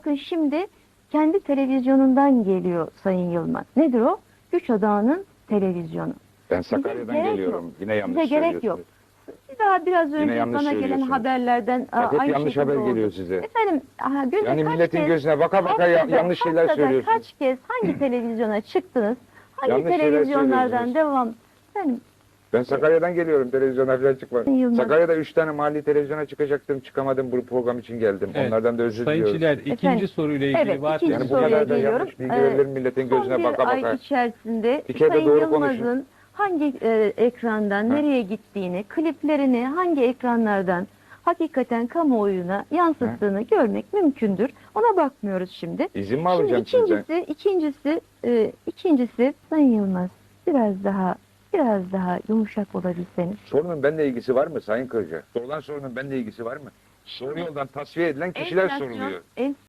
bakın şimdi kendi televizyonundan geliyor Sayın Yılmaz. Nedir o? Güç Odağı'nın televizyonu. Ben Sakarya'dan gerek geliyorum. yok. Yine yanlış Size gerek söylüyorsunuz. yok. Bir daha biraz Yine önce yanlış bana gelen söylüyorsunuz. haberlerden Bak, hep aynı yanlış şekilde haber oldu. geliyor size. Efendim, günde Yani kaç milletin kez, gözüne baka baka yanlış şeyler haftada söylüyorsunuz. kaç kez hangi televizyona çıktınız? Hangi Yanlış şeyler televizyonlardan söylüyorsunuz. devam? Efendim, Ben Sakarya'dan geliyorum, televizyona falan çıkmadım. Yılmaz. Sakarya'da 3 tane mahalli televizyona çıkacaktım, çıkamadım, bu program için geldim. Evet. Onlardan da özür Sayın diliyorum. Çiler, ikinci Efendim, soruyla ilgili evet, vaat ikinci Yani bu soruya kadar da geliyorum. yanlış bilgi verilir milletin gözüne Son baka bir ay baka. içerisinde Bir kere de Sayın doğru Yılmaz'ın hangi ekrandan nereye gittiğini, kliplerini hangi ekranlardan hakikaten kamuoyuna yansıttığını görmek mümkündür. Ona bakmıyoruz şimdi. İzin mi alacağım Şimdi sizden? ikincisi Sayın Yılmaz biraz daha yumuşak olabilseniz. Sorunun benimle ilgisi var mı Sayın Kırca? Sorulan sorunun benimle ilgisi var mı? Doğru yoldan tasfiye edilen kişiler Enflasyon- soruluyor.